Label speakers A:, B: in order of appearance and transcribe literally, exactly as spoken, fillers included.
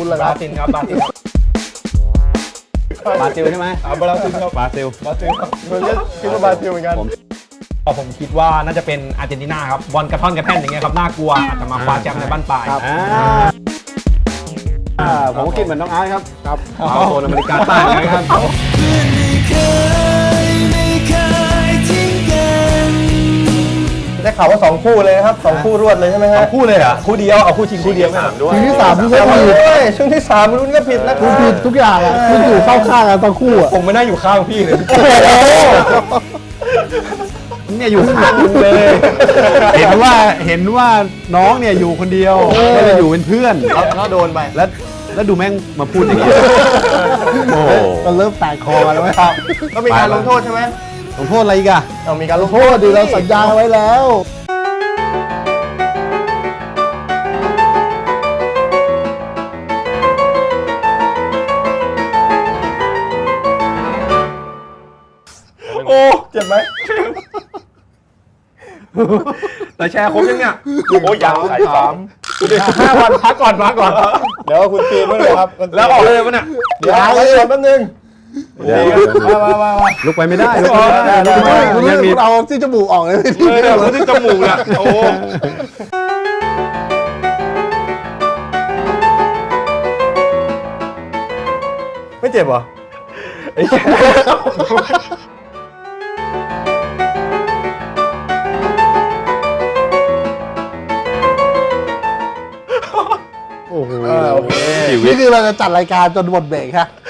A: เหรอบ
B: ราซิลครับบราซิล
C: บราซิลใช่ไหม
B: อ่าบราซิลครับ
C: บราซิล
B: บราซิลครับ
A: ผมก็คิดว่าบราซิลเหมือนกัน
C: ผม
B: ผมคิดว่าน่าจะเป็นอาร์เจนตินาครับบอลกระท่อนกระแท่นอย่างเงี้ยครับน่ากลัวอาจจะมาคว้าแชมป์ในบ้านปลาย
C: อ่าอ่าผมก็คิดเหมือนน้องอาร์ตครับ
A: ครับ
C: เอาโซนอเมริกาใต้นะครับ
A: ได้ข่าวว่าสองคู่เลยนะครับสองคู่รวดเลยใช่ไหมฮะ
B: คู่เลยเหรอคู่เดียวเอาคู่ชิงคู่เดียวไม่เอาด้วย
A: ช่วงที่สามคุณก็ผิดด้วยช่วงที่สามรุ่นก็ผิดนะคุณผิดทุกอย่างอ่ะคุณอยู่เข้าข้างกันทั้งคู่อ่ะ
B: ผมไม่น่าอยู่ข้างพี่เลย
C: เนี่ยอยู่ข้างเลย เห็นว่าเห็นว่าน้องเนี่ยอยู่คนเดียวไม่ได้อยู่เป็นเพื่อน
A: แล้วโดนไป
C: แล้วแล้วดูแม่งมาพูดอย่างนี้โอ้โห
A: ก็เริ่มแตกคอแล้วไหมครับก็มีการลงโทษใช่ไหม
C: ลงโทษอะไรอีกอะ
A: เอามีการลงโทษดีเราสัญญาไว้แล้วโอ้เจ็บไหม
B: แต่แชร์ครบยังเนี่ยโอ้ยยังขายสามห้าวันพักก่อนพักก่อน
A: เดี๋ยวคุณปีนมาเลยครับ
B: แล้วออกเลยปะเนี่ย
A: เดี๋ยวไว้ก่อนแป๊บนึง
C: เดี๋ยว
A: มามามา
C: ลุกไปไม่ได้ลุกไปไม่ได้ลุกไปไม่ได้
A: คุณ
C: ยังมี
A: เอาที่จมูกออกเลย
B: เลยเนี่ยที่จมูกเนี่ยโอ้
A: ไม่เจ็บเหรอ โอ้โหนี่คือเราจะจัดรายการจนหมดเบรกฮะ